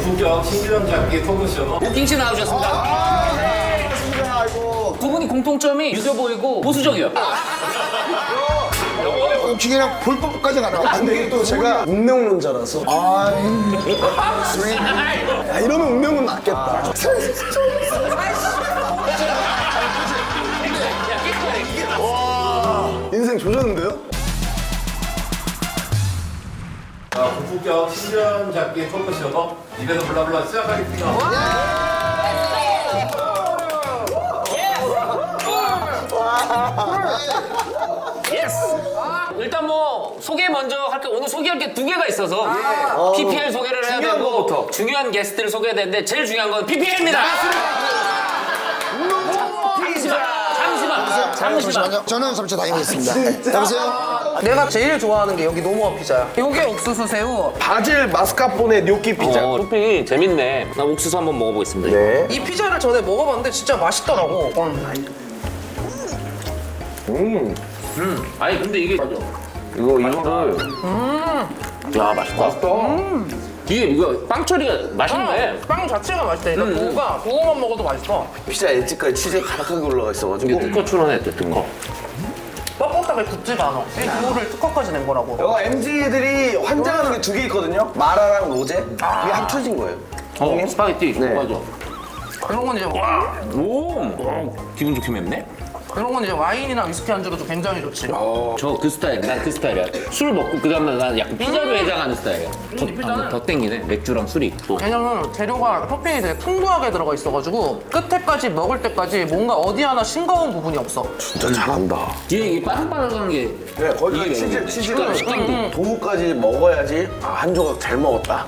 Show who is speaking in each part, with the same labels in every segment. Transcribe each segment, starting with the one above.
Speaker 1: 고품격 신규형 잡기 토크쇼
Speaker 2: 오킹 씨 나오셨습니다.
Speaker 3: 네, 반갑습니다. 아이고.
Speaker 2: 두 분이 공통점이 유교 보이고 보수적이요.
Speaker 3: 오킹이랑 볼법까지 가나? 안 되게 또 제가 운명론자라서. 야, 이러면 운명은 낫겠다. 와, 인생 조졌는데요?
Speaker 1: 고품격 신규형 잡기 토크쇼 입에서 블라블라 시작하겠습니다.
Speaker 2: 예스. 일단 뭐 소개 먼저 할게. 오늘 소개할 게 두 개가 있어서 PPL 소개를 해야
Speaker 3: 중요한
Speaker 2: 되고
Speaker 3: 거부터.
Speaker 2: 중요한 게스트를 소개해야 되는데 제일 중요한 건 PPL입니다.
Speaker 3: 잠시만요. 저는 잠시 다녀오겠습니다. 여보세요?
Speaker 4: 내가 제일 좋아하는 게 여기 노무어 피자야. 요게 옥수수 새우.
Speaker 3: 바질 마스카포네 뇨끼 피자.
Speaker 2: 토핑이 재밌네. 나 옥수수 한번 먹어보겠습니다.
Speaker 3: 네.
Speaker 4: 이 피자를 전에 먹어봤는데 진짜 맛있더라고.
Speaker 2: 아니 근데 이게 이거를 야 맛있다. 이게 이거 빵 처리가 맛있네.
Speaker 4: 빵 자체가 맛있다. 일단 그거만 먹어도 맛있어.
Speaker 5: 피자 엣지까지 치즈 가득하게 올라가 있어가지고
Speaker 2: 이게 특허출원에 뜬 거.
Speaker 4: 뻣뻣하게 굳지가 않아. 이 그거를 특허까지 낸 거라고.
Speaker 5: 이거 MZ들이 환장하는 게 두 개 있거든요. 마라랑 로제 이게 합쳐진 거예요.
Speaker 2: 스파게티.
Speaker 5: 네.
Speaker 2: 맞아.
Speaker 4: 이런 건 이제 와.
Speaker 2: 오, 기분 좋게 맵네.
Speaker 4: 이런 건 이제 와인이나 위스키 안주로도 굉장히 좋지.
Speaker 2: 저 그 스타일, 난 그 스타일이야. 술 먹고 그 다음날 난 약간 피자로 해장하는 스타일이야. 더 땡기네. 맥주랑 술이 또.
Speaker 4: 왜냐면 재료가 토핑이 되게 풍부하게 들어가 있어가지고 끝에까지 먹을 때까지 뭔가 어디 하나 싱거운 부분이 없어.
Speaker 5: 진짜 잘한다.
Speaker 2: 뒤에 이게 바삭바삭한 게.
Speaker 5: 네, 거기가
Speaker 2: 이게
Speaker 5: 치즈가 도우까지 먹어야지 한 조각 잘 먹었다.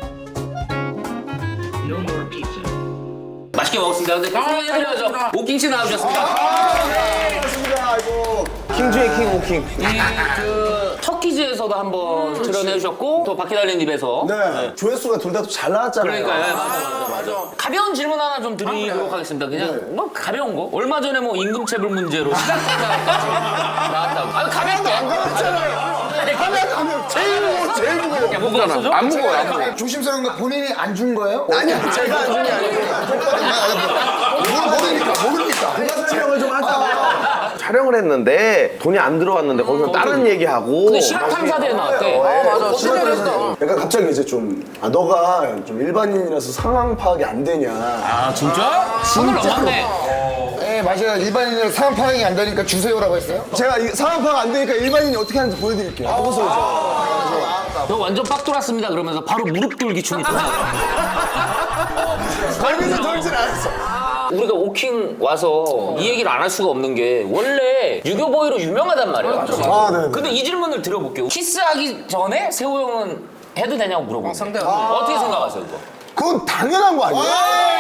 Speaker 2: 맛있게 먹었습니다. 근데 소개해드려야죠. 오킹 씨 나오셨습니다.
Speaker 3: 반갑습니다. 아이고.
Speaker 5: 킹 중에 킹 오킹.
Speaker 2: 그 터키즈에서도 한번 출연해주셨고 또 바퀴 달린 입에서.
Speaker 3: 네. 조회수가 둘 다 잘 나왔잖아요.
Speaker 2: 그러니까요. 맞아. 가벼운 질문 하나 좀 드리도록 하겠습니다. 그냥 뭐 가벼운 거. 얼마 전에 뭐 임금체불 문제로 시각장애까지 나왔다고. 아 가벼운 거.
Speaker 3: 제일 무거워.
Speaker 2: 야, 뭐가 없어져?
Speaker 5: 안 무거워요, 안 무거워요.
Speaker 3: 조심스러운 거 본인이 안 준 거예요? 아니요, 제가 안 준 게 아니고. 모르니까.
Speaker 5: 촬영을 좀 하자. 촬영을 했는데 돈이 안 들어왔는데 거기서 다른 얘기하고.
Speaker 2: 근데 시각 탐사대에 나왔대.
Speaker 4: 맞아. 진짜
Speaker 3: 그러니까 갑자기 이제 좀, 너가 좀 일반인이라서 상황 파악이 안 되냐.
Speaker 2: 아 진짜? 손을 넘었네.
Speaker 3: 네, 맞아요. 일반인이라서 상황 파악이 안 되니까 주세요라고 했어요? 제가 상황 파악 안 되니까 일반인이 어떻게 하는지 보여드릴게요.
Speaker 2: 너 완전 빡 돌았습니다. 그러면서 바로 무릎 돌기 춤이 또 나와.
Speaker 3: 거기서 돌진 않았어.
Speaker 2: 우리가 오킹 와서 이 얘기를 안 할 수가 없는 게 원래 유교보이로 유명하단 말이에요.
Speaker 3: 아, 네.
Speaker 2: 근데 이 질문을 드려볼게요. 키스하기 전에 세호 형은 해도 되냐고 물어보고.
Speaker 4: 상대가.
Speaker 2: 어떻게 생각하세요, 이거?
Speaker 3: 그건 당연한 거 아니에요?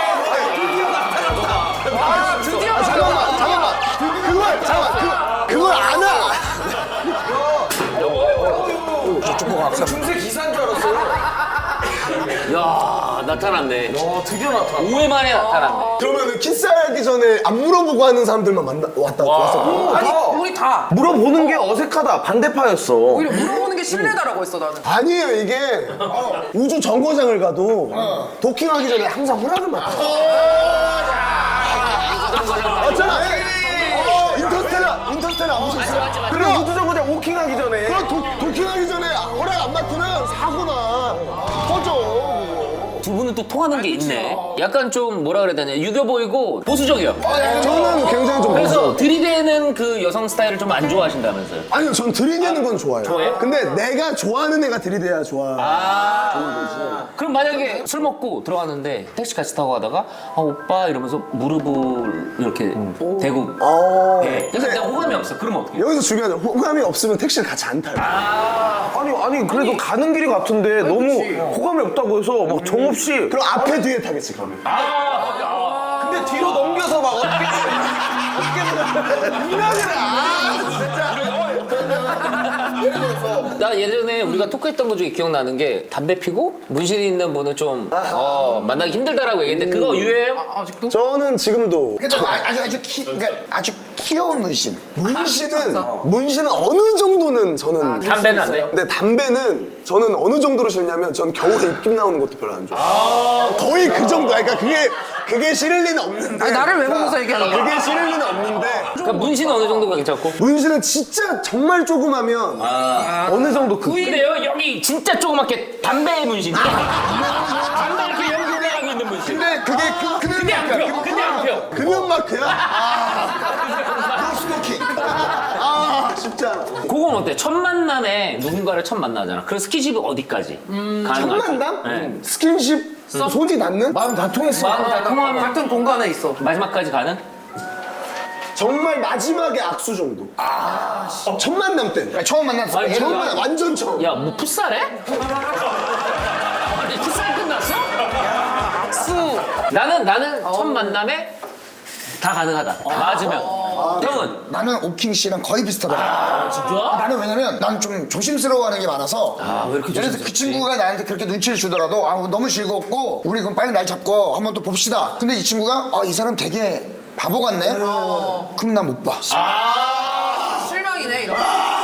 Speaker 4: 드디어
Speaker 3: 잠깐만. 그걸 안 해.
Speaker 5: 중세 기사인 줄 알았어요.
Speaker 2: 야 나타났네.
Speaker 5: 드디어 나타났다.
Speaker 2: 5회 만에 나타났네.
Speaker 3: 그러면은 키스하기 전에 안 물어보고 하는 사람들만 왔어.
Speaker 4: 아니 우리 다
Speaker 5: 물어보는 게 어색하다. 반대파였어.
Speaker 4: 오히려 물어보는 게 신뢰다라고 했어 나는.
Speaker 3: 아니에요, 이게. 우주 정거장을 가도 도킹하기 전에 항상 허락을 맡아. 맞잖아. 인터스텔라 안 보셨어요?
Speaker 5: 그래 우주정거장 오킹하기 전에.
Speaker 3: 그럼 도킹하기 전에 허락 안 맡으면 사고나 터져.
Speaker 2: 두 분은 또 통하는 게 있네. 약간 좀 뭐라 그래야 되냐. 유교 보이고 보수적이요.
Speaker 3: 저는 굉장히 좀
Speaker 2: 그래서 들이대는 그 여성 스타일을 좀 안 좋아하신다면서요?
Speaker 3: 아니요, 전 들이대는 건 좋아요.
Speaker 2: 좋아해요?
Speaker 3: 근데 내가 좋아하는 애가 들이대야 좋아.
Speaker 2: 그럼 만약에 술 먹고 들어갔는데 택시 같이 타고 가다가 아 오빠 이러면서 무릎을 이렇게 대고 네. 그래서 내가 호감이 없어. 그러면 어떻게 해요?
Speaker 3: 여기서 중요한 건 호감이 없으면 택시를 같이 안 타요.
Speaker 5: 아니 그래도 가는 길이 같은데 너무 호감이 없다고 해서 막 정없이.
Speaker 3: 그럼 앞에 뒤에 타겠지, 그러면.
Speaker 5: 근데 뒤로 넘겨서 막 어떻게
Speaker 3: 이나들아!
Speaker 2: 나 예전에 우리가 토크했던 것 중에 기억나는 게 담배 피고 문신이 있는 분은 좀 만나기 힘들다라고 얘기했는데 그거 유해해요?
Speaker 4: 아직도?
Speaker 3: 저는 지금도 그러니까 아주 귀여운 문신. 문신은 어느 정도는 저는
Speaker 2: 담배는 안 돼?
Speaker 3: 근데 담배는 저는 어느 정도로 싫냐면 전 겨울에 입김 나오는 것도 별로 안 좋아해요. 거의 그 정도야. 그러니까 그게 싫을 리는 없는데.
Speaker 4: 아니, 나를 왜 보면서 얘기하는 거야?
Speaker 3: 그게 싫을 리는 없는데.
Speaker 2: 그러니까 문신은 어느 정도가 괜찮고?
Speaker 3: 문신은 진짜 정말 조그마면
Speaker 5: 어느 정도 그
Speaker 2: 근데요 여기 진짜 조그맣게 담배 문신. 담배 이렇게 연기 올라가고 있는 문신.
Speaker 3: 근데 그게
Speaker 2: 근데 안 펴. 근데 안 펴.
Speaker 3: 금연 마크야? 스모킹. 쉽지 않아.
Speaker 2: 그건 어때? 첫 만남에 누군가를 첫 만나잖아. 그럼 스킨십이 어디까지?
Speaker 3: 첫
Speaker 2: 가능하지?
Speaker 3: 만남?
Speaker 2: 네.
Speaker 3: 스킨십? 손이 닿는? 마음 다 통했어.
Speaker 2: 마음 다 통하면
Speaker 4: 같은 공간에 있어.
Speaker 2: 마지막까지 가는?
Speaker 3: 정말 마지막에 악수 정도. 첫 만남 때. 처음 만났어.
Speaker 2: 아니,
Speaker 3: 처음
Speaker 2: 야.
Speaker 3: 만남 완전 처음.
Speaker 2: 야, 뭐 풋살해? 아니, 풋살 끝났어?
Speaker 4: 악수.
Speaker 2: 나는 첫 만남에 다 가능하다. 맞으면. 형은?
Speaker 6: 나는 오킹 씨랑 거의 비슷하더라.
Speaker 2: 진짜?
Speaker 6: 나는 왜냐면 난 좀 조심스러워하는 게 많아서.
Speaker 2: 왜 이렇게
Speaker 6: 예를 들어서 그 친구가 나한테 그렇게 눈치를 주더라도 너무 즐겁고 우리 그럼 빨리 날 잡고 한번 또 봅시다. 근데 이 친구가 이 사람 되게 바보 같네. 그럼 난 못 봐.
Speaker 4: 실망이네, 이런.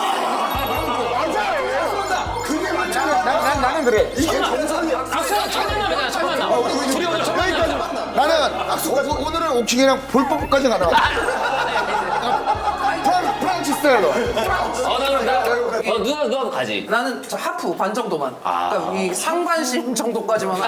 Speaker 6: 그게 맞잖아. 나는 그래.
Speaker 3: 이게 정상이야.
Speaker 2: 첫 만남이잖아, 첫 만남. 둘이 오늘 첫 만남.
Speaker 6: 나는 오늘은 오킹이랑 볼법까지 가나. 프랑치 스타일로.
Speaker 2: 누나도 가지.
Speaker 4: 나는 저 하프 반 정도만. 그러니까 이 상반신 정도까지만.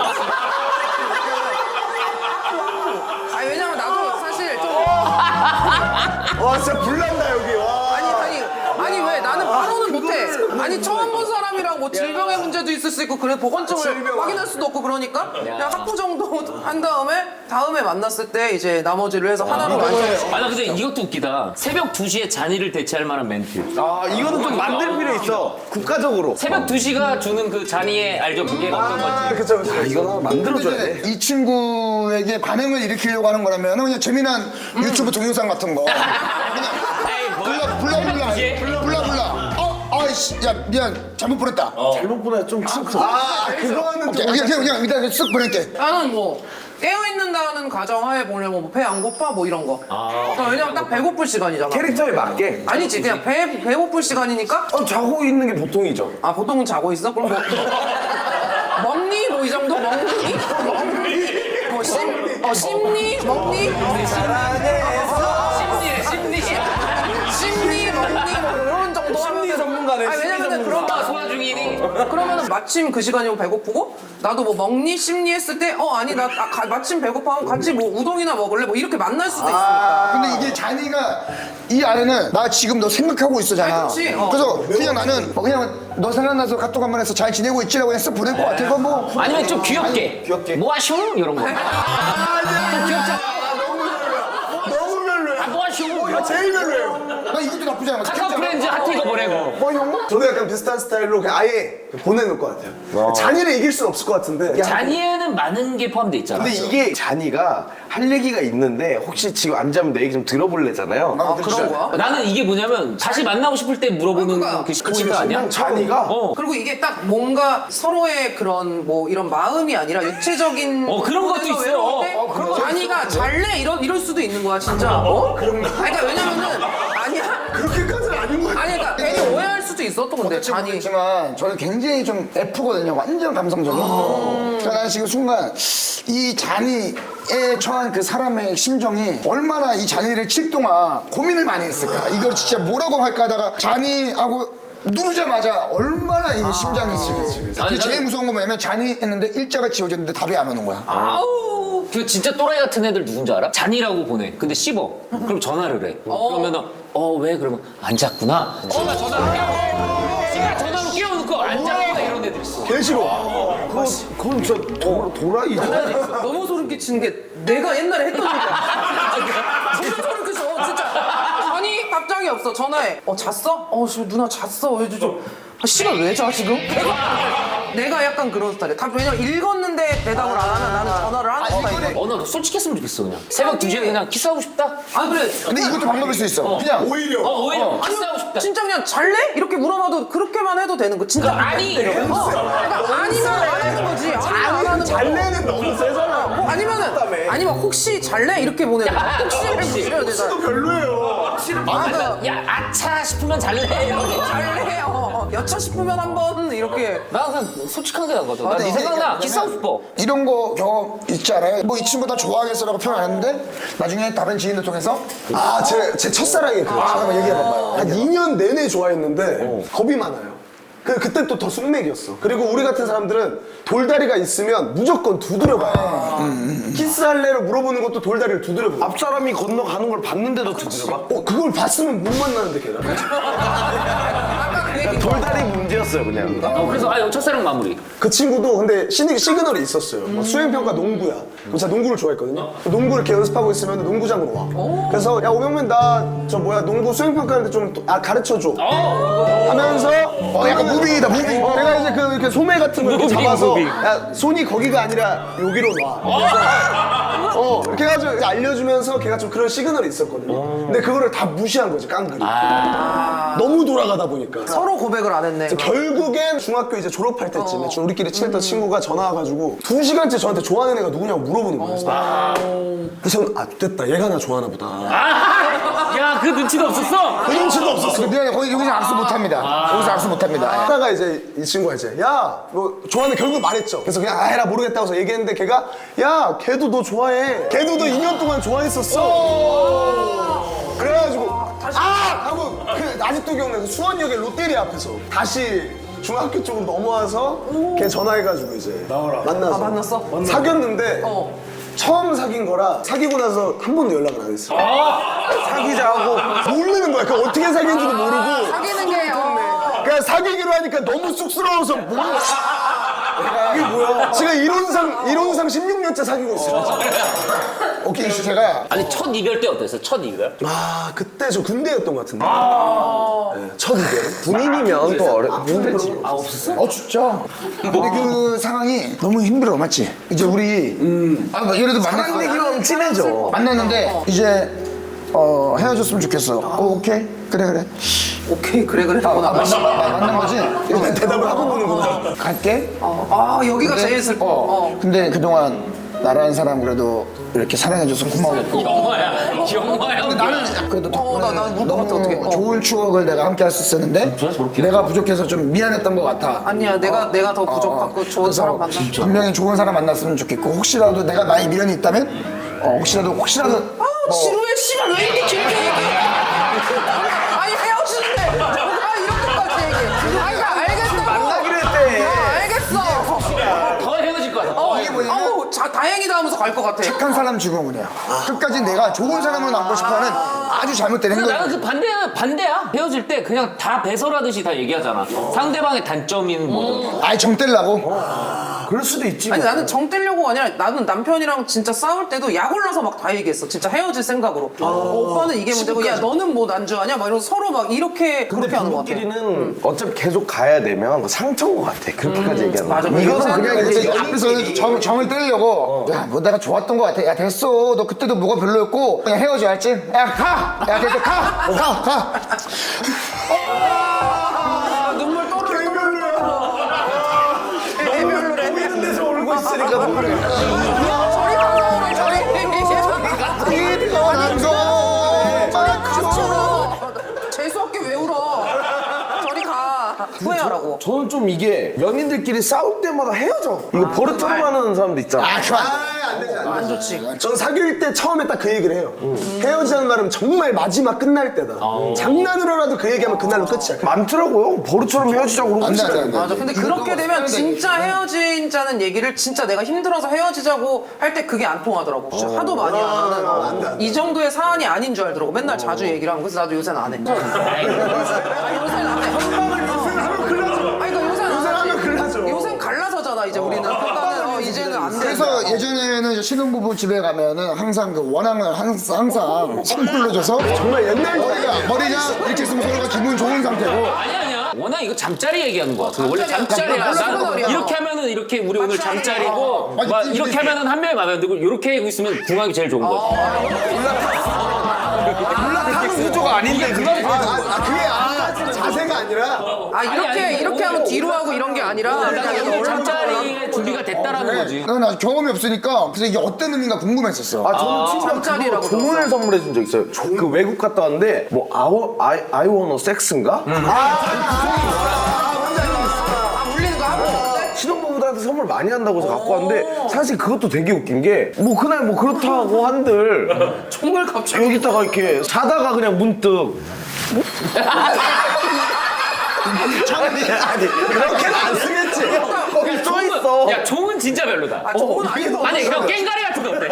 Speaker 4: 아니 왜냐면 나도 사실 좀
Speaker 3: 와 진짜 불난다 여기. 와.
Speaker 4: 아니 왜 나는 바로는 못해. 아니 처음 본 사람이랑 뭐 질병의 문제도 있을 수 있고 그래 보건증을 확인할 수도 없고 그러니까 그냥 하프 정도 한 다음에 만났을 때 이제 나머지를 해서 하나로 완성.
Speaker 2: 나 근데 이것도 웃기다. 새벽 2시에 잔이를 대체할 만한 멘트.
Speaker 5: 이거는 좀 만들 필요 있어. 국가적으로.
Speaker 2: 새벽 2시가 주는 그 잔이의 알죠? 그게 어떤 건지.
Speaker 3: 그쵸.
Speaker 5: 이거 만들어줘야 돼.
Speaker 6: 근데 이 친구에게 반응을 일으키려고 하는 거라면 그냥 재미난 유튜브 동영상 같은 거. 그냥 불러불라. 아이씨, 야 미안 잘못 보냈다.
Speaker 5: 잘못 보내 좀 큰.
Speaker 3: 그거는 좀.
Speaker 6: 그냥 일단 쓱 보낼게.
Speaker 4: 나는 뭐 깨어있는다는 가정하에 보려면 뭐 배 안 고파 뭐 이런 거. 그러니까 왜냐면 딱 배고플 시간이잖아.
Speaker 5: 캐릭터에 맞게.
Speaker 4: 아니지 그냥 배고플 시간이니까
Speaker 5: 자고 있는 게 보통이죠.
Speaker 4: 보통은 자고 있어? 그럼 뭐 먹니? 뭐 이 정도? 먹니? 뭐 씹니? 먹니? 씹니? 먹니? 뭐 이런 정도
Speaker 5: 심리 전문가네.
Speaker 4: 왜냐면은 그런 거
Speaker 2: 소화 중이니?
Speaker 4: 그러면은 마침 그 시간이고 배고프고 나도 뭐 먹니? 씹니? 했을 때 아니 나 마침 배고파면 같이 뭐 우동이나 먹을래? 뭐 이렇게 만날 수도 있으니까.
Speaker 6: 근데 이게 잔이가 이 안에는 나 지금 너 생각하고 있어잖아.
Speaker 4: 그치?
Speaker 6: 그래서 그냥 나는 그냥 너 생각나서 카톡 한번 해서 잘 지내고 있지라고 해서 보낼 것 같아서 뭐.
Speaker 2: 아니면 좀 귀엽게. 뭐 하쇼? 이런 거. 좀 귀엽잖아.
Speaker 3: 너무 별로야.
Speaker 2: 뭐 하쇼?
Speaker 3: 이거 제일 별로예요.
Speaker 6: 나 이것도 나쁘지 않아.
Speaker 2: 카카오 프렌즈 하트 이거 보내고.
Speaker 3: 형? 저도 약간 비슷한 스타일로 그냥 아예 보내놓을 것 같아요. 잔이를 이길 수는 없을 것 같은데.
Speaker 2: 잔이에는 많은 게 포함돼 있잖아.
Speaker 5: 근데 이게 잔이가 할 얘기가 있는데 혹시 지금 안 자면 내 얘기 좀 들어볼래잖아요.
Speaker 4: 그런 거야?
Speaker 2: 나는 이게 뭐냐면 다시 만나고 싶을 때 물어보는
Speaker 4: 그러니까.
Speaker 2: 그 포인트 아니야?
Speaker 5: 잔이가
Speaker 4: 그리고 이게 딱 뭔가 서로의 그런 뭐 이런 마음이 아니라 육체적인
Speaker 2: 그런 것도
Speaker 4: 부분에서
Speaker 2: 있어요.
Speaker 4: 외로울 때 자니가 잘래 이럴 수도 있는 거야 진짜. 그런가? 그러니까 왜냐면은 아니야.
Speaker 3: 그렇게까지는 아닌 것 같아요.
Speaker 4: 아니 그러니까 괜히 오해할 수도 있어 또 근데 잔이.
Speaker 6: 그렇지만 저는 굉장히 좀 F거든요. 완전 감성적인. 그러니까 나는 지금 순간 이 잔이에 처한 그 사람의 심정이 얼마나 이 잔이를 칠 동안 고민을 많이 했을까. 이걸 진짜 뭐라고 할까 하다가 잔이하고 누르자마자 얼마나 이 심장이 쓰겠지.
Speaker 2: 아니,
Speaker 6: 제일
Speaker 2: 나는-
Speaker 6: 무서운 거 뭐냐면 잔이 했는데 일자가 지워졌는데 답이 안 오는 거야.
Speaker 2: 아우. 그 진짜 또라이 같은 애들 누군지 알아? 잔이라고 보내. 근데 씹어. 그럼 전화를 해. 그러면은 왜? 그러면 안 잤구나. 나 전화를 해. 지가 전화로 깨워놓고 안 잤구나 이런 애들 있어.
Speaker 3: 개 싫어.
Speaker 5: 그건 진짜 도라이죠.
Speaker 4: 너무 소름 끼치는 게 내가 옛날에 했던 얘기야. 진짜 소름 끼쳐 진짜. 아니 답장이 없어 전화해. 잤어? 지금 누나 잤어. 왜 좀 시간 왜 자 지금? 내가 약간 그런 스타일이야. 왜냐면 읽었는데 대답을 안 하면 나는 전화를 하는 스타일이야.
Speaker 2: 나 솔직했으면 좋겠어 그냥. 새벽 2시에 그냥 키스하고 싶다?
Speaker 4: 아 그래.
Speaker 6: 근데 이것도 방법일 수 있어. 그냥
Speaker 3: 오히려
Speaker 2: 오히려 키스하고 싶다.
Speaker 4: 진짜 그냥 잘래? 이렇게 물어봐도 그렇게만 해도 되는 거. 진짜
Speaker 2: 아니
Speaker 4: 그러니까 아니면 안 하는 거지. 아니면 안 하는 거.
Speaker 3: 잘내는 너무 세잖아.
Speaker 4: 아니면 혹시 잘래? 이렇게 보내야 돼. 혹시 이래야 되잖아.
Speaker 3: 또 별로예요.
Speaker 2: 야 아차 싶으면 잘래 이렇게.
Speaker 4: 잘래요. 여차 싶으면 한번 이렇게.
Speaker 2: 나 그냥 솔직한 게 나거든. 나 네 생각나 키스하고 싶어.
Speaker 6: 이런 거 경험 있지 않아요? 뭐 이 친구 나 좋아하겠어라고 표현 안 했는데 나중에 다른 지인들 통해서
Speaker 3: 제 첫사랑이 그래요.
Speaker 6: 잠깐만 얘기해봐봐요.
Speaker 3: 한 2년 내내 좋아했는데 겁이 많아요. 그때 또 더 숙맥이었어. 그리고 우리 같은 사람들은 돌다리가 있으면 무조건 두드려봐요. 키스할래를 물어보는 것도 돌다리를 두드려봐요.
Speaker 5: 앞 사람이 건너가는 걸 봤는데도 두드려봐.
Speaker 3: 그걸 봤으면 못 만나는데 걔랑.
Speaker 4: 아까 그 얘기.
Speaker 5: 돌다리 문제였어요 그냥.
Speaker 2: 그래서 첫사랑 마무리.
Speaker 3: 그 친구도 근데 시그널이 있었어요. 수행평가 농구야. 그럼 제가 농구를 좋아했거든요. 농구를 이렇게 연습하고 있으면 농구장으로 와. 그래서 야 오명민 나 농구 수행평가하는데 좀 가르쳐줘. 하면서
Speaker 6: 약간 무빙이다 무빙.
Speaker 3: 내가 이제 이렇게 소매 같은 거 이렇게 잡아서 야 손이 거기가 아니라 여기로 놔. 이렇게 해가지고 알려주면서 걔가 좀 그런 시그널이 있었거든요. 근데 그거를 다 무시한 거지 깡그리. 너무 돌아가다 보니까.
Speaker 4: 서로 고백을 안 했네.
Speaker 3: 결국엔 중학교 이제 졸업할 때쯤에 우리끼리 친했던 친구가 전화 와가지고 2시간째 저한테 좋아하는 애가 누구냐고 물어보는 거예요. 그래서 저는 됐다 얘가 나 좋아하나 보다.
Speaker 2: 야 그 눈치도 없었어?
Speaker 3: 그 눈치도 없었어.
Speaker 6: 미안해 여기서 악수 못합니다. 여기서 악수 못합니다.
Speaker 3: 하다가 이제 이 친구가 이제 야 뭐 좋아하는 결국 말했죠. 그래서 그냥 해라 모르겠다고 해서 얘기했는데 걔가 야 걔도 너 좋아해. 걔도 너 2년 동안 좋아했었어. 그래가지고 하고 아직도 기억나요. 수원역의 롯데리아 앞에서 다시 중학교 쪽으로 넘어와서 걔 전화해가지고 이제 만나서
Speaker 4: 만났어?
Speaker 3: 사귀었는데 처음 사귄 거라 사귀고 나서 한 번도 연락을 안 했어. 사귀자고 모르는 거야. 그 어떻게 사귄지도 모르고.
Speaker 4: 사귀는 게
Speaker 3: 그냥 사귀기로 하니까 너무 쑥스러워서 이게 뭐야? 지금 이론상 16년째 사귀고 있어요.
Speaker 6: 오케이 제가
Speaker 2: 아니 첫 이별 때 어땠어? 첫 이별?
Speaker 3: 그때 저 군대였던 것 같은데. 네, 첫 이별.
Speaker 5: 군인이면 또 힘들지.
Speaker 2: 없었어?
Speaker 6: 진짜. 근데 그 상황이 너무 힘들어 맞지? 이제 우리 뭐 예를 들어
Speaker 5: 사랑 얘기로 친해져.
Speaker 6: 만났는데 이제 헤어졌으면 좋겠어. 오케이 그래.
Speaker 4: 오케이 그래
Speaker 6: 만난 거지.
Speaker 3: 대답을 하고 보는구나.
Speaker 6: 갈게.
Speaker 4: 여기가 제일 슬퍼.
Speaker 6: 근데 그동안 나라는 사람 그래도 이렇게 사랑해줘서 고마워.
Speaker 2: 영화야.
Speaker 6: 나는 그래도
Speaker 4: 나는 울 것 같아, 어떡해.
Speaker 6: 좋은 추억을 내가 함께 할 수 있었는데 내가 부족해서 좀 미안했던 것 같아.
Speaker 4: 아니야 내가 더 부족하고 좋은 사람 만나.
Speaker 6: 분명히 좋은 사람 만났으면 좋겠고 혹시라도 내가 나의 미련이 있다면 혹시라도
Speaker 4: 지루해 씨발 왜 이렇게 길게 얘기해? 아니 헤어지는데 누가 이렇게까지 얘기해? 아니 나 알겠어.
Speaker 5: 만나기로 했대.
Speaker 4: 알겠어.
Speaker 2: 더 헤어질 거야.
Speaker 6: 이게 뭐냐면
Speaker 4: 아우 다행이다 하면서 갈 것 같아.
Speaker 6: 착한 사람 죽음이야. 끝까지 내가 좋은 사람을 남고 싶어하는 아주 잘못된 행동.
Speaker 2: 나는 그 반대야. 헤어질 때 그냥 다 배설하듯이 다 얘기하잖아. 상대방의 단점인 뭐든.
Speaker 6: 아예 정 떼려고.
Speaker 5: 그럴 수도 있지.
Speaker 4: 아니 나는 정 떼려고가 아니라 나는 남편이랑 진짜 싸울 때도 약 올라서 막 다 얘기했어. 진짜 헤어질 생각으로. 오빠는 이게 문제고 야 너는 뭐 난주하냐? 막 이러면서 서로 막 이렇게
Speaker 5: 근데
Speaker 4: 그렇게 하는 것 같아.
Speaker 5: 부부끼리는 어차피 계속 가야 되면 상처인 것 같아. 그렇게까지 얘기하는 거.
Speaker 4: 맞아.
Speaker 6: 이거는 그냥
Speaker 4: 요새는
Speaker 6: 이제 앞에서 정을 떼려고 야 뭐 내가 좋았던 것 같아. 야 됐어. 너 그때도 뭐가 별로였고 그냥 헤어져 알지? 야 가. 야 됐어 가.
Speaker 4: 눈물 또르르 애별로래.
Speaker 5: 이런 데서 울고 있으니까 모르겠어.
Speaker 4: 저리 가서 저리 재수없게 왜 울어? 저리 가. 후회하라고.
Speaker 5: 저는 좀 이게 연인들끼리 싸울 때마다 헤어져. 이거 버릇처럼 하는 사람도 있잖아.
Speaker 3: 안 되지.
Speaker 4: 안 좋지.
Speaker 3: 전 사귈 때 처음에 딱 그 얘기를 해요. 헤어지자는 말은 정말 마지막 끝날 때다. 장난으로라도 그 얘기하면 그날로 끝이야.
Speaker 5: 많더라고요. 버릇처럼 헤어지자고 그러고
Speaker 6: 안 돼.
Speaker 4: 맞아. 근데 그렇게 되면 진짜 헤어지자는 얘기를 진짜 내가 힘들어서 헤어지자고 할 때 그게 안 통하더라고. 진짜 하도 많이 하면은
Speaker 3: 안 돼.
Speaker 4: 이 정도의 사안이 아닌 줄 알더라고. 맨날 자주 얘기를 하고. 그래서 나도 요새는 안 해. 아니, 요새는 안 해. 아니, 그러니까 요새는 안 하지. 요새는 갈라서잖아, 이제 우리는. 그러니까는 이제는 안 돼.
Speaker 6: 그래서 예전에는 이제 신혼부부 집에 가면은 항상 그 원앙을 항상 선물로 줘서
Speaker 3: 정말 옛날
Speaker 6: 머리가 이렇게 있으면 서로가 기분 좋은 상태고
Speaker 2: 아니야. 워낙 이거 잠자리 얘기하는 거야. 그 원래 잠자리야.
Speaker 4: 몰라,
Speaker 2: 난
Speaker 4: 몰라.
Speaker 2: 이렇게 하면은 하면은 이렇게 우리 오늘 잠자리고
Speaker 6: 맞아,
Speaker 2: 막
Speaker 6: 띠,
Speaker 2: 이렇게
Speaker 6: 띠.
Speaker 2: 하면은 한 명이 마음에 안 들고 이렇게 하고 있으면 궁합이 제일 좋은 거지.
Speaker 5: 올라타는 구조가 아닌데 그게
Speaker 3: 그게 자세가 아니라
Speaker 4: 이렇게 하면 뒤로 하고 이런 게 아니라 그냥
Speaker 2: 오늘 잠자리에 준비가 됐다라는 거지.
Speaker 6: 난 아직 경험이 없으니까 그래서 이게 어떤 의미인가 궁금했었어.
Speaker 5: 저는 친구랑
Speaker 4: 잠자리라고
Speaker 5: 그거 조문을 선물해 준 적 있어요. 그 외국 갔다 왔는데 뭐 I wanna sex인가?
Speaker 4: 울리는 거 하고
Speaker 5: 신혼부부들한테 선물 많이 한다고 해서 갖고 왔는데 사실 그것도 되게 웃긴 게 뭐 그날 뭐 그렇다고 한들
Speaker 4: 총을 갑자기
Speaker 5: 여기다가 이렇게 자다가 그냥 문득 아니 그렇게는 안 쓰겠지. 거기 써 있어.
Speaker 2: 야 종은 진짜 별로다.
Speaker 4: 종은 아니고
Speaker 2: 아니 그럼 깽가리 같은 거 어때?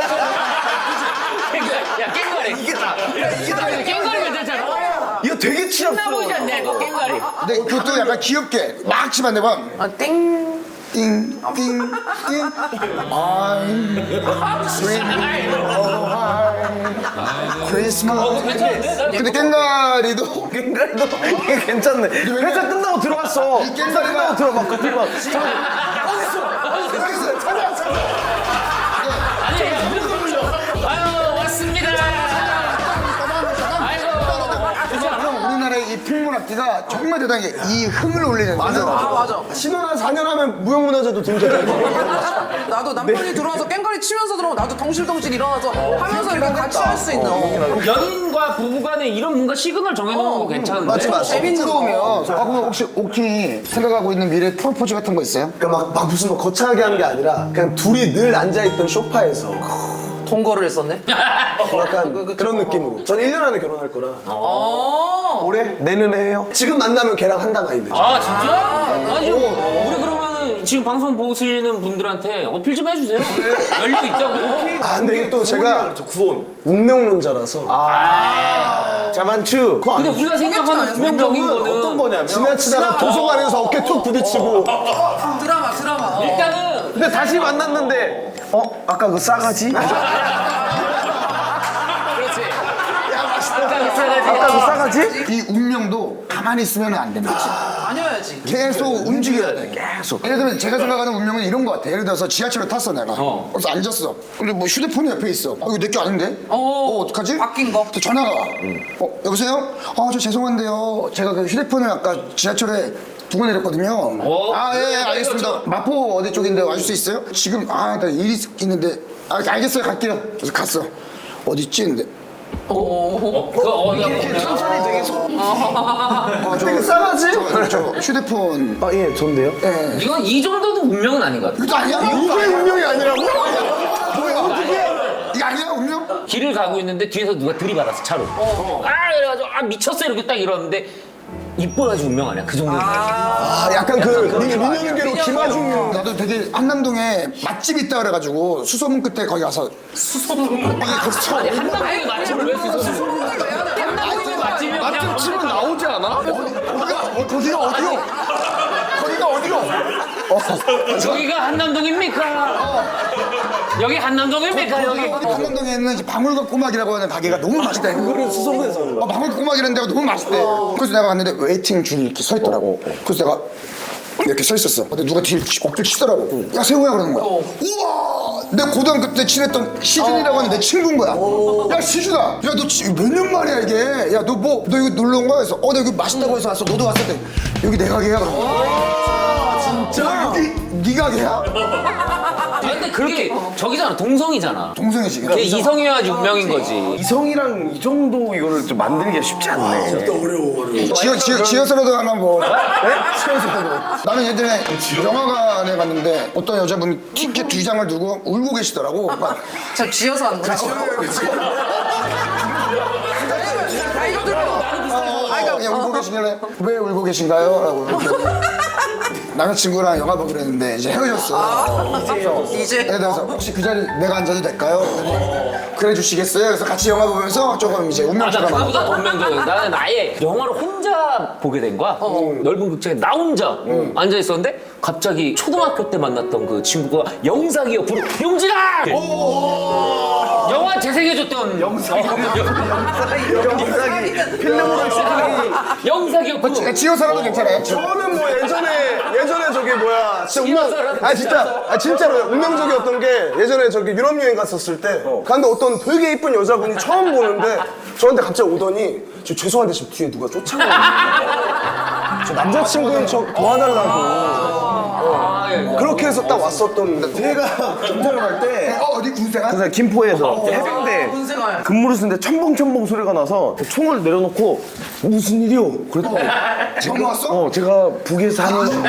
Speaker 2: 야 깽가리.
Speaker 5: 이게 다
Speaker 2: 깽가리 괜찮잖아.
Speaker 5: 이거 되게
Speaker 2: 나보지
Speaker 5: 치럽스러워.
Speaker 2: 않냐 이거 깽가리.
Speaker 6: 근데 그것도 약간 귀엽게 막 치면 안 되면
Speaker 4: 땡
Speaker 6: 띵띵띵 I'm 크리스마스.
Speaker 2: 괜찮은데?
Speaker 6: 근데 깽가리도
Speaker 5: 깽가리도 이게 괜찮네. 회사 끝나고 들어왔어.
Speaker 6: 이 깽가리가-
Speaker 5: 끝나고 들어와 커피 막.
Speaker 2: 아유 왔습니다.
Speaker 6: 그럼 우리나라의 이 필문학기가 정말 대단한 게 이 흥을 올리는
Speaker 3: 맞아.
Speaker 4: 맞아.
Speaker 3: 신혼 한 4년 하면 무형문화재도 등재돼.
Speaker 4: 나도 남편이 들어와서 깽가리 치면서 들어오면 나도 덩실덩실 일어나서 하면서 이렇게 같이 할 수 있는
Speaker 2: 연인과 부부간에 이런 뭔가 시그널 정해놓는 거 괜찮은데?
Speaker 6: 재밌는 거면 그럼 혹시 옥틴이 생각하고 있는 미래 프로포즈 같은 거 있어요?
Speaker 3: 그러니까 막 무슨 뭐 거창하게 하는 게 아니라 그냥 둘이 늘 앉아있던 소파에서
Speaker 4: 동거를 했었네.
Speaker 3: 약간 그런 느낌으로. 전 1년 안에 결혼할 거라.
Speaker 5: 올해? 내년에 해요?
Speaker 3: 지금 만나면 걔랑 한당 아닌데.
Speaker 2: 아 진짜? 아니 우리 그러면은 지금 방송 보시는 분들한테 어필 좀 해주세요. 열려 있다고.
Speaker 3: 아 근데 이게 또 제가 운명론자라서
Speaker 5: 자만추.
Speaker 2: 근데 우리가 생각하는 운명적인 거는
Speaker 5: 어떤 거냐면
Speaker 3: 지나치다가 도서관에서 어깨 툭 부딪히고
Speaker 4: 드라마.
Speaker 2: 일단은
Speaker 5: 근데 다시 만났는데 아까 그 싸가지?
Speaker 2: 그렇지.
Speaker 5: 아까 그 싸가지?
Speaker 6: 이 운명도 가만히 있으면 안 됩니다.
Speaker 4: 다녀야지.
Speaker 6: 계속 움직여야 돼. 계속. 예를 들면 제가 생각하는 운명은 이런 거 같아. 예를 들어서 지하철을 탔어 내가. 그래서 앉았어. 근데 뭐 휴대폰이 옆에 있어. 이거 내 게 아닌데? 어떡하지?
Speaker 4: 바뀐 거.
Speaker 6: 또 전화가 와. 여보세요? 저 죄송한데요. 제가 그 휴대폰을 아까 지하철에 두고 내렸거든요. 예, 알겠습니다. 마포 어디 쪽인데 와줄 수 있어요? 지금 나 일이 있는데 알겠어요. 갈게요. 그래서 갔어. 어디 있지? 근데
Speaker 5: 천천히 되게
Speaker 3: 되게 싸가지?
Speaker 6: 저 휴대폰
Speaker 5: 예, 좋은데요?
Speaker 2: 이건 이 정도는 운명은 아닌 것 같아.
Speaker 6: 이거 아니야?
Speaker 3: 이게 운명이 아니라고?
Speaker 6: 이거 아니야 운명?
Speaker 2: 길을 가고 있는데 뒤에서 누가 들이받았어 차로. 그래가지고 미쳤어 이렇게 딱 이러는데 이뻐야지 운명 아니야 그 정도는.
Speaker 3: 약간 그 민현계로 김하중
Speaker 6: 나도 되게 한남동에 맛집이 있다 그래가지고 수소문 끝에 거기 가서
Speaker 2: 아니 한남동에 맛집을 왜 쓰서? 한남동에 맛집이 그냥
Speaker 5: 치면 나오지 않아?
Speaker 6: 거기가 어디요? 거기가 어디요?
Speaker 2: 저기가 한남동입니까? 여기 한남동입니까 여기?
Speaker 6: 한남동에 있는 이제 방울과 꼬막이라고 하는 가게가 너무 맛있다. 그거를 수소문에서 하는 거야. 방울과 꼬막이라는 데가 너무 맛있대. 그래서 내가 갔는데 웨이팅 줄이 이렇게 서 있더라고. 그래서 내가 이렇게 서 있었어. 근데 누가 뒤를 억지로 치더라고. 야 세호야 그러는 거야. 우와! 내가 고등학교 때 친했던 시준이라고 하는 내 친구인 거야. 야 시준아, 야 너 몇 년 만이야 이게? 야 너 이거 놀러 온 거야? 그래서 나 여기 맛있다고 해서 왔어. 너도 왔을 때 여기 내 가게야 그런 거야. 진짜? 여기 네 가게야?
Speaker 2: 근데 그게 저기잖아 동성이잖아.
Speaker 6: 동생이지.
Speaker 2: 걔 이성이어야지 운명인 거지.
Speaker 5: 이성이랑 이 정도 이거를 좀 만들기가 쉽지 않네.
Speaker 6: 지어서라도 하나 뭐. 네? 지어서라도. 나는 예전에 영화관에 갔는데 어떤 여자분이 티켓 2장을 두고 울고 계시더라고. 막
Speaker 4: 자 지어서 하는 거야. 이거 들어.
Speaker 6: 그냥 울고 계시길래 왜 울고 계신가요? 라고 이렇게. 남자친구랑 영화 보기로 했는데 이제 헤어졌어.
Speaker 4: 이제
Speaker 6: 그래서 혹시 그 자리 내가 앉아도 될까요? 그랬더니 그래 주시겠어요? 그래서 같이 영화 보면서 조금 이제
Speaker 2: 나
Speaker 6: 운명처럼
Speaker 2: 그거보다 더 운명적이야. 나는 아예 영화를 혼자 보게 된 거야. 넓은 극장에 나 혼자 앉아 있었는데 갑자기 초등학교 때 만났던 그 친구가 영상이어 부르 용진아! 영화 재생해줬던
Speaker 5: 영상이 필름으로 시작하기.
Speaker 2: 영상이어 부르.
Speaker 6: 지어서라도 괜찮아요.
Speaker 3: 저는 뭐 예전에 예전에 저기 뭐야 진짜 진짜로 운명적이었던 게 예전에 저기 유럽 여행 갔었을 때 근데 어떤 되게 이쁜 여자분이 처음 보는데 저한테 갑자기 오더니 저 죄송한데 지금 뒤에 누가 쫓아가요. 저 남자친구인 척 도와달라고. 그렇게 해서 딱 왔었던.
Speaker 5: 제가 경찰을 갈 때
Speaker 6: 어디 군생활?
Speaker 5: 그래서 김포에서 해병대
Speaker 4: 군생활.
Speaker 5: 근무를 쓰는데 첨벙첨벙 소리가 나서 총을 내려놓고 무슨 일이요? 그랬더니
Speaker 6: 처음 왔어?
Speaker 5: 제가 북에서 하는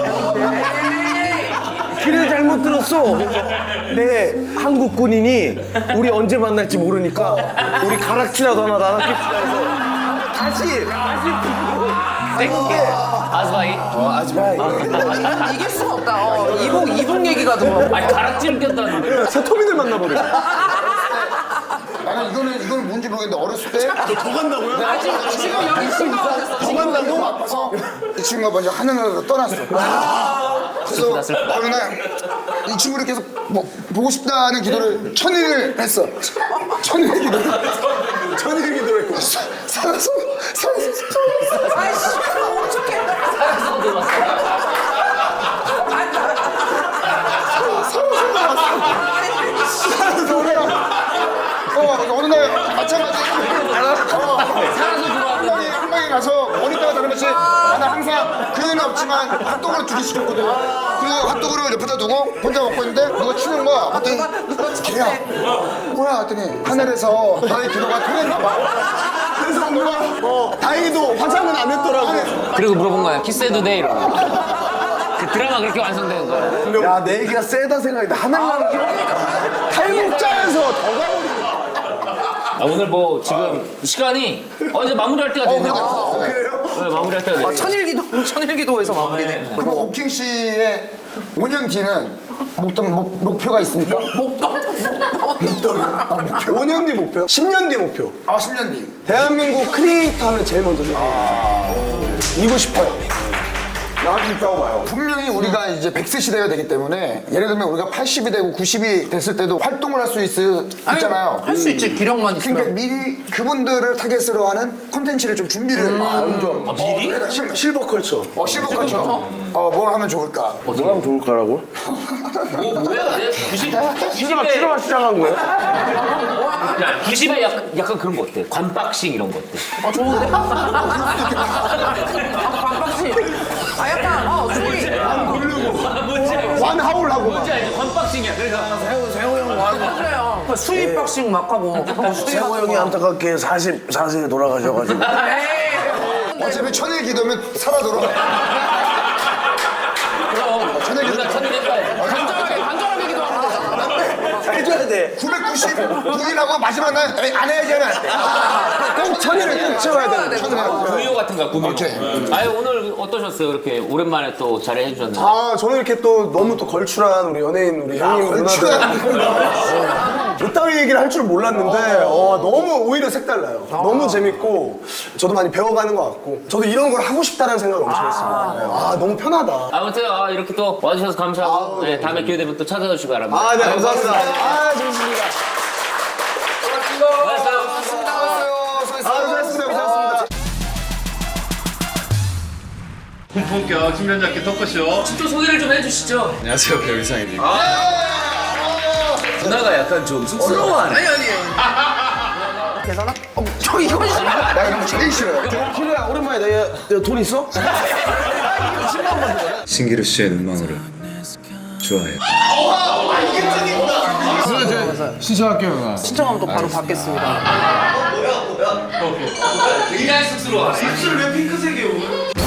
Speaker 5: 길을 잘못 들었어. 네, 한국 군인이 우리 언제 만날지 모르니까 우리 가락치라도 하나 나눠줍시다 해서 다시
Speaker 2: 아스바이.
Speaker 4: 난 이길 수가 없다. 이북 얘기가 들어.
Speaker 2: 아니 가락지를 꼈다는데.
Speaker 3: 새토민을 만나버려.
Speaker 6: 나는 이거는 뭔지 모르겠는데 어렸을 때
Speaker 3: 더 간다고요?
Speaker 4: 지금 여기 친구가 됐어.
Speaker 6: 더 간다고? 아파서 이 친구가 먼저 하늘나라로 떠났어. 그래서 나는 이 친구를 계속 뭐 보고 싶다는 기도를 천일을 했어. 천일 기도를.
Speaker 3: 천일 기도를 했고.
Speaker 6: 살아서
Speaker 4: 아이씨, 어떡해.
Speaker 2: 살아서 들어왔어.
Speaker 6: 어느 날 마찬가지
Speaker 2: 살아서 들어왔는데.
Speaker 6: 한 방에 가서 어리다가 다른 것이 나는 항상 그는 없지만 핫도그를 2개 시켰거든. 그리고 핫도그를 옆에다 두고 혼자 먹고 있는데 누가 치는 거야. 봤더니 걔야 뭐야 했더니 하늘에서 나의 기도가 통했나 봐.
Speaker 3: 그래서 누가 다행히도 화장은 안 했더라고.
Speaker 2: 그리고 물어본 거야. 키스해도 돼 이러고. 그 드라마 그렇게 완성되는 거야.
Speaker 5: 야, 내 얘기가 세다 생각인데 하늘나라
Speaker 3: 탈북자에서 더 가버리네.
Speaker 2: 오늘 뭐 지금 시간이 이제 마무리할 때가 됐네요.
Speaker 3: 그래요?
Speaker 2: 네, 마무리할 때가 됐네요.
Speaker 4: 천일기도에서 마무리네.
Speaker 6: 그럼 오킹 씨의 5년 뒤는 목표가 있습니까?
Speaker 4: 목동.
Speaker 3: 5년 뒤 목표? 10년 뒤 목표.
Speaker 6: 10년 뒤.
Speaker 3: 대한민국 크리에이터 하면 제일 먼저 이고 싶어요.
Speaker 6: 나한테 있다고 봐요. 분명히 우리가 이제 100세 시대가 되기 때문에 예를 들면 우리가 80이 되고 90이 됐을 때도 활동을 할 수 있잖아요.
Speaker 4: 할 수 있지, 기력만
Speaker 6: 그러니까
Speaker 4: 있으면.
Speaker 6: 미리 그분들을 타겟으로 하는 콘텐츠를 좀 준비를
Speaker 2: 미리?
Speaker 3: 실버컬처.
Speaker 6: 실버컬처 뭘 하면 좋을까?
Speaker 5: 뭐 하면 좋을까라고?
Speaker 2: 뭐야?
Speaker 5: 90에 시작한 거예요?
Speaker 2: 90에 약간 그런 거 어때? 관박식 이런 거 어때?
Speaker 4: 좋은데? 반박씨. 약간, 소리.
Speaker 3: 완하울하고 막.
Speaker 2: 뭔지 알죠? 관박식이야. 그래서
Speaker 5: 세호 형 와서
Speaker 4: 그래요. 수입 박식 막 하고.
Speaker 5: 세호 형이 안타깝게 44세에 돌아가셔가지고
Speaker 6: 어차피 천일 기도면 살아 돌아.
Speaker 2: 우리가 천일 해봐야지.
Speaker 4: 간절하게 기도하면 되잖아.
Speaker 5: 해줘야 돼.
Speaker 6: 999일하고 마지막 날 안 해야지 하면 안 돼.
Speaker 3: 꼭 천일을 꼭 채워야 돼.
Speaker 2: 구미호 같은 거야, 구미호.
Speaker 6: 오케이.
Speaker 2: 아유, 오늘 어떠셨어요? 이렇게 오랜만에 또 자리해 주셨는데.
Speaker 3: 저는 이렇게 또 너무 또 걸출한 우리 연예인 우리 형님 누나들 이따위 얘기를 할 줄 몰랐는데 너무 오히려 색달라요. 너무 재밌고 저도 많이 배워가는 것 같고 저도 이런 걸 하고 싶다는 생각을 엄청 했습니다. 너무 편하다.
Speaker 2: 아무튼 이렇게 또 와주셔서 감사하고 네, 다음에 기회 되면 또 찾아주시기 바랍니다.
Speaker 3: 네, 감사합니다. 재밌습니다. 수고하셨습니다. 고생하셨습니다.
Speaker 1: 본격 신변잡기 토크쇼.
Speaker 2: 또 소개를 좀 해주시죠.
Speaker 7: 안녕하세요, 배우 이상입니다.
Speaker 2: 누나가 약간 좀 쑥스러워하네.
Speaker 4: 계산아? 저 이건
Speaker 6: 나 이런 거 제일 싫어요.
Speaker 5: 키리야 오랜만에 돈 있어?
Speaker 7: 신기루 씨의 눈망울을 좋아해요. 신청할게요.
Speaker 4: 신청하면 또 바로 받겠습니다.
Speaker 2: 굉장히 쑥스러워하네.
Speaker 3: 입술 왜 핑크색이에요?